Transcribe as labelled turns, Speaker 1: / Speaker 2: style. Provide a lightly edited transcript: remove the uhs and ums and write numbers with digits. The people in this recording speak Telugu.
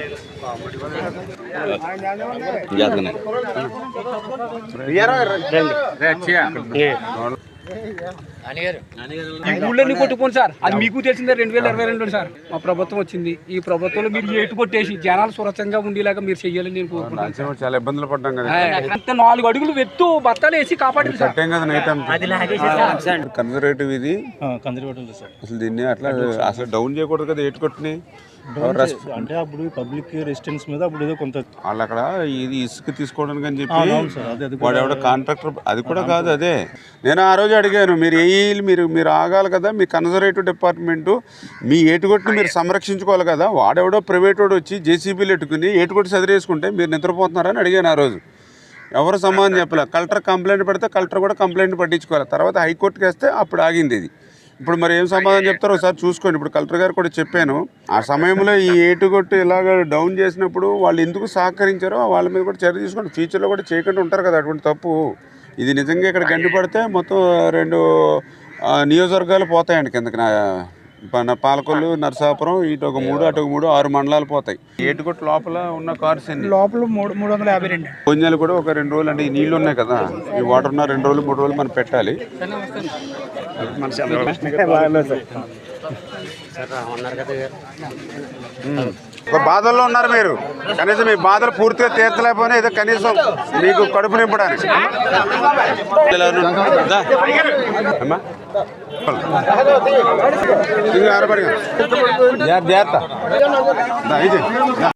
Speaker 1: ఈ ఊళ్ళని కొట్టుకోండి సార్, అది మీకు తెలిసిందే 2022 సార్ మా ప్రభుత్వం వచ్చింది. ఈ ప్రభుత్వంలో మీరు ఏటు కొట్టేసి జనాలు సురక్షంగా ఉండేలాగా మీరు చెయ్యాలని నేను కోరుకుంటున్నాను.
Speaker 2: చాలా ఇబ్బందులు పడ్డాం కదా,
Speaker 1: అంత 4 అడుగులు వెత్తు బత్తాలు వేసి కాపాడింది సార్.
Speaker 2: కన్జర్వేటివ్ ఇది అసలు దీన్ని అట్లా అసలు డౌన్ చేయకూడదు కదా ఏటు కొట్టిని
Speaker 3: అంటే అప్పుడు పబ్లిక్ రెసిడెన్స్ మీద అప్పుడు ఏదో కొంత
Speaker 2: వాళ్ళు అక్కడ ఇది ఇసుక తీసుకోవడానికి అని చెప్పి వాడు ఎవడో కాంట్రాక్టర్, అది కూడా కాదు. అదే నేను ఆ రోజు అడిగాను, మీరు మీరు ఆగాలి కదా, మీ కన్జర్వేటివ్ డిపార్ట్మెంటు మీ ఏటుకొట్టుని మీరు సంరక్షించుకోవాలి కదా. వాడెవడో ప్రైవేట్ వాడు వచ్చి జేసీబీలు ఎట్టుకుని ఏటుకొట్టి సదిరేసుకుంటే మీరు నిద్రపోతున్నారని అడిగాను ఆ రోజు. ఎవరు సమాధానం చెప్పలేదు. కలెక్టర్ కంప్లైంట్ పెడితే కలెక్టర్ కూడా కంప్లైంట్ పట్టించుకోవాలి. తర్వాత హైకోర్టుకి వేస్తే అప్పుడు ఆగింది ఇది. ఇప్పుడు మరి ఏం సమాధానం చెప్తారో ఒకసారి చూసుకోండి. ఇప్పుడు కలెక్టర్ గారు కూడా చెప్పాను, ఆ సమయంలో ఈ ఏటుగొట్టు ఇలాగ డౌన్ చేసినప్పుడు వాళ్ళు ఎందుకు సహకరించారో వాళ్ళ మీద కూడా చర్య తీసుకోండి. ఫ్యూచర్లో కూడా చేయకుండా ఉంటారు కదా అటువంటి తప్పు. ఇది నిజంగా ఇక్కడ గండి పడితే మొత్తం 2 నియోజకవర్గాలు పోతాయండి కిందకి. పాలకొల్లు, నరసాపురం, ఇటు ఒక 3 అటు ఒక 3 6 మండలాలు పోతాయి. ఏటుగొట్టు లోపల ఉన్న కార్స్
Speaker 1: లోపల 352
Speaker 2: కొంచెలు కూడా ఒక 2 రోజులు అంటే ఈ నీళ్లు ఉన్నాయి కదా, ఈ వాటర్ ఉన్న 2 రోజులు 3 రోజులు మనం పెట్టాలి. ఒక బాధల్లో ఉన్నారు మీరు, కనీసం మీ బాధలు పూర్తిగా తీర్చలేకపోయినా ఏదో కనీసం మీకు కడుపు నింపడానికి జాగ్రత్త.